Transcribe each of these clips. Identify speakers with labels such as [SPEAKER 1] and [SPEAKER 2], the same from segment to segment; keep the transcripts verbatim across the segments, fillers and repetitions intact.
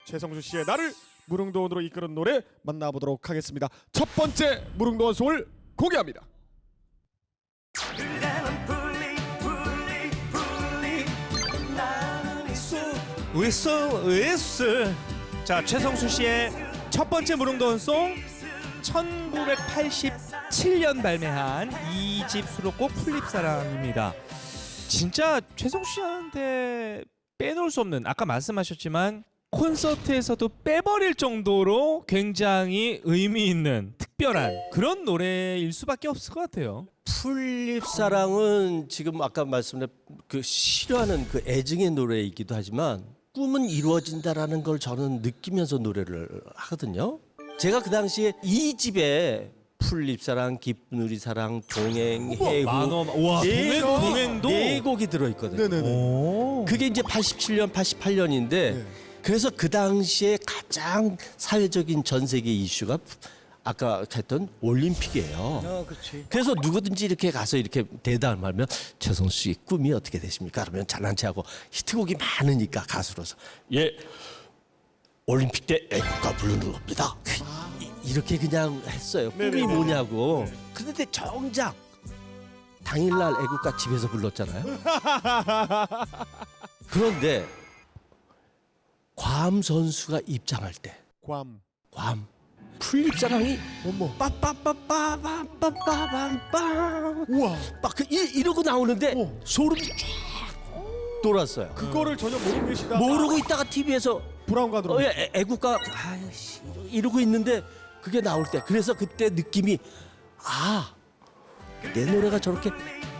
[SPEAKER 1] 최성수 씨의 나를 무릉도원으로 이끄는 노래 만나보도록 하겠습니다. 첫 번째 무릉도원 송을 공개합니다.
[SPEAKER 2] 으쌰 으쌰. 자, 최성수 씨의 첫 번째 무릉도원송 천구백팔십칠 년 발매한 이 집 수록곡 풀립사랑입니다. 진짜 최성수 씨한테 빼놓을 수 없는, 아까 말씀하셨지만 콘서트에서도 빼버릴 정도로 굉장히 의미 있는 특별한 그런 노래일 수밖에 없을 것 같아요.
[SPEAKER 3] 풀립사랑은 지금 아까 말씀드린 그 싫어하는 그 애증의 노래이기도 하지만 꿈은 이루어진다라는 걸 저는 느끼면서 노래를 하거든요. 제가 그 당시에 이 집에 풀립사랑, 기쁜 우리 사랑, 동행, 해후
[SPEAKER 2] 만원. 와,
[SPEAKER 3] 네
[SPEAKER 2] 동행,
[SPEAKER 3] 곡이-
[SPEAKER 2] 동행도
[SPEAKER 3] 네 곡이 들어있거든요.
[SPEAKER 1] 네네네.
[SPEAKER 2] 오.
[SPEAKER 3] 그게 이제 팔십칠 년, 팔십팔 년인데
[SPEAKER 1] 네.
[SPEAKER 3] 그래서 그 당시에 가장 사회적인 전 세계 이슈가 아까 했던 올림픽이에요.
[SPEAKER 4] 어, 그렇지.
[SPEAKER 3] 그래서 누구든지 이렇게 가서 이렇게 대담을 하면 최성수 씨 꿈이 어떻게 되십니까? 그러면 잘난 체하고 히트곡이 많으니까 가수로서 예 올림픽 때 애국가 부르는 겁니다. 이- 이렇게 그냥 했어요. 꿈이
[SPEAKER 1] 네네네.
[SPEAKER 3] 뭐냐고. 그런데 정작 당일날 애국가 집에서 불렀잖아요. 그런데 괌 선수가 입장할 때
[SPEAKER 1] 괌.
[SPEAKER 3] 괌 풀립사랑이
[SPEAKER 1] 어머.
[SPEAKER 3] 빠빠빠빠빠빠빠빰빰
[SPEAKER 1] 우와.
[SPEAKER 3] 막그 이러고 나오는데
[SPEAKER 1] 어.
[SPEAKER 3] 소름이 쫙 돌았어요.
[SPEAKER 1] 그거를 전혀 모르고 계시다.
[SPEAKER 3] 모르고 있다가 티비에서
[SPEAKER 1] 브라운관으로.
[SPEAKER 3] 어, 애, 애국가 아이씨 이러고 있는데 그게 나올 때 그래서 그때 느낌이 아 내 노래가 저렇게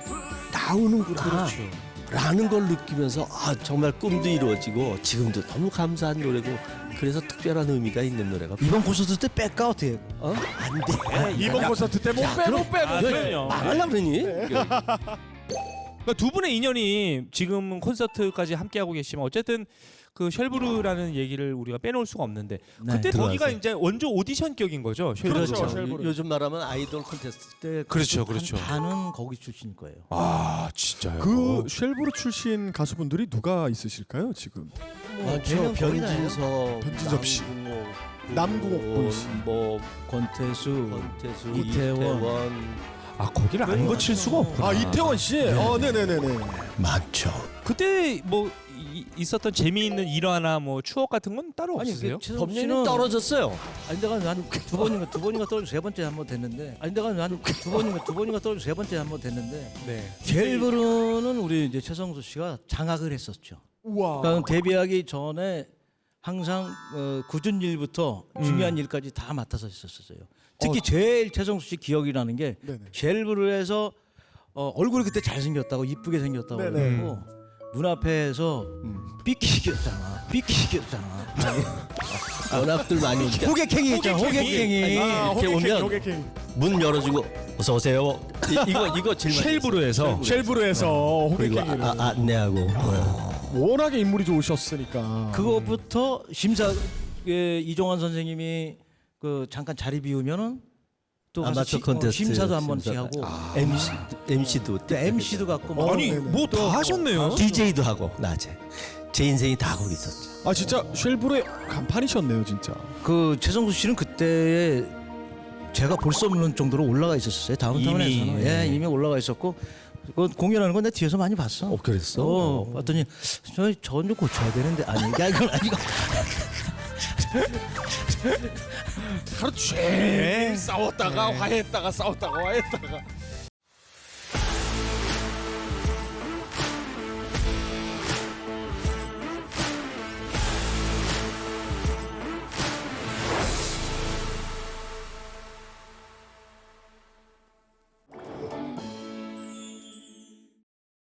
[SPEAKER 3] 나오는구나 라는 걸 느끼면서 아 정말 꿈도 이루어지고 지금도 너무 감사한 노래고 그래서 특별한 의미가 있는 노래가
[SPEAKER 4] 이번 콘서트 때 뺄까 어떻게?
[SPEAKER 3] 어? 안 돼.
[SPEAKER 1] 이번 콘서트 때 못 빼, 못 빼.
[SPEAKER 2] 아,
[SPEAKER 1] 못 빼.
[SPEAKER 2] 그럼요.
[SPEAKER 3] 말하려고 그러니?
[SPEAKER 2] 그러니까 두 분의 인연이 지금 콘서트까지 함께하고 계시지만 어쨌든 그 쉘브르라는 얘기를 우리가 빼놓을 수가 없는데
[SPEAKER 4] 네,
[SPEAKER 2] 그때 거기가
[SPEAKER 3] 들어가서.
[SPEAKER 2] 이제 원조 오디션 격인 거죠. 쉘브르가.
[SPEAKER 1] 그렇죠.
[SPEAKER 3] 요-
[SPEAKER 1] 쉘브르.
[SPEAKER 3] 요즘 말하면 아이돌 콘테스트.
[SPEAKER 4] 때
[SPEAKER 2] 그렇죠,
[SPEAKER 4] 한
[SPEAKER 2] 그렇죠.
[SPEAKER 4] 반은 거기 출신일 거예요.
[SPEAKER 2] 아, 진짜요?
[SPEAKER 1] 그 쉘브르 출신 가수분들이 누가 있으실까요 지금?
[SPEAKER 3] 많죠. 변진서,
[SPEAKER 1] 변진섭 씨.
[SPEAKER 3] 남궁옥,
[SPEAKER 1] 남궁옥 씨.
[SPEAKER 3] 뭐
[SPEAKER 4] 권태수,
[SPEAKER 3] 권태수,
[SPEAKER 4] 이태원.
[SPEAKER 3] 이태원
[SPEAKER 2] 아, 거기를 안 거칠 수가 없구나.
[SPEAKER 1] 아 이태원 씨. 어 네네네네.
[SPEAKER 3] 많죠.
[SPEAKER 2] 그때 뭐 이, 있었던 재미있는 일화나 뭐 추억 같은 건 따로 없으세요?
[SPEAKER 4] 최성수
[SPEAKER 3] 법률이
[SPEAKER 4] 씨는
[SPEAKER 3] 떨어졌어요.
[SPEAKER 4] 아니 내가 한두 번인가 두 번인가 떨어져 세 번째 한 번 됐는데 아니 내가 한두 번인가 두 번인가 떨어져 세 번째 한 번 됐는데
[SPEAKER 2] 네.
[SPEAKER 4] 쉘브르는 우리 이제 최성수 씨가 장악을 했었죠.
[SPEAKER 1] 우와.
[SPEAKER 4] 그러니까 데뷔하기 전에 항상 어, 굳은 일부터 중요한 일까지 다 맡아서 했었어요. 특히 제일 최성수 씨 기억이 나는 게
[SPEAKER 1] 네네.
[SPEAKER 4] 쉘브르에서 어, 얼굴이 그때 잘생겼다고 이쁘게 생겼다고
[SPEAKER 1] 네네.
[SPEAKER 4] 그러고 문 앞에서 삐끼겼잖아. 삐끼겼잖아.
[SPEAKER 3] 연합들 많이 오니까
[SPEAKER 4] 호객행위 있잖아. 호객행위.
[SPEAKER 1] 아,
[SPEAKER 3] 이렇게
[SPEAKER 1] 호객행,
[SPEAKER 3] 오면
[SPEAKER 1] 호객행.
[SPEAKER 3] 문 열어주고 어서 오세요. 이, 이거 이거 제일 많이
[SPEAKER 2] 쉘브르에서
[SPEAKER 1] 쉘브르에서
[SPEAKER 3] 그리고
[SPEAKER 1] 호객행위를.
[SPEAKER 3] 아, 아, 안내하고
[SPEAKER 1] 워낙에 인물이 좋으셨으니까.
[SPEAKER 4] 그것부터 심사 예, 이종환 선생님이 그 잠깐 자리 비우면은 또 가서
[SPEAKER 3] 아마추어
[SPEAKER 4] 시- 어,
[SPEAKER 3] 콘테스트
[SPEAKER 4] 심사도 한 번씩
[SPEAKER 3] 심사.
[SPEAKER 4] 하고
[SPEAKER 3] 엠씨 엠씨도
[SPEAKER 4] 엠씨도 갖고 막
[SPEAKER 2] 아니
[SPEAKER 1] 네네.
[SPEAKER 2] 뭐 다 하셨네요.
[SPEAKER 3] 디제이도 하고 낮에 제 인생이 다 거기 있었죠.
[SPEAKER 1] 아 진짜 쉘브르의 간판이셨네요 진짜.
[SPEAKER 4] 그 최성수 씨는 그때 제가 볼 수 없는 정도로 올라가 있었어요. 다운타운에서는
[SPEAKER 3] 이미,
[SPEAKER 4] 예, 이미 올라가 있었고 그 공연하는 건 내 뒤에서 많이 봤어.
[SPEAKER 3] 어 그랬어?
[SPEAKER 4] 어, 봤더니 저 저좀 고쳐야 되는데 아니 이게 이건 아니고
[SPEAKER 1] 하루 종일 싸웠다가 화해했다가 싸웠다가 화해했다가.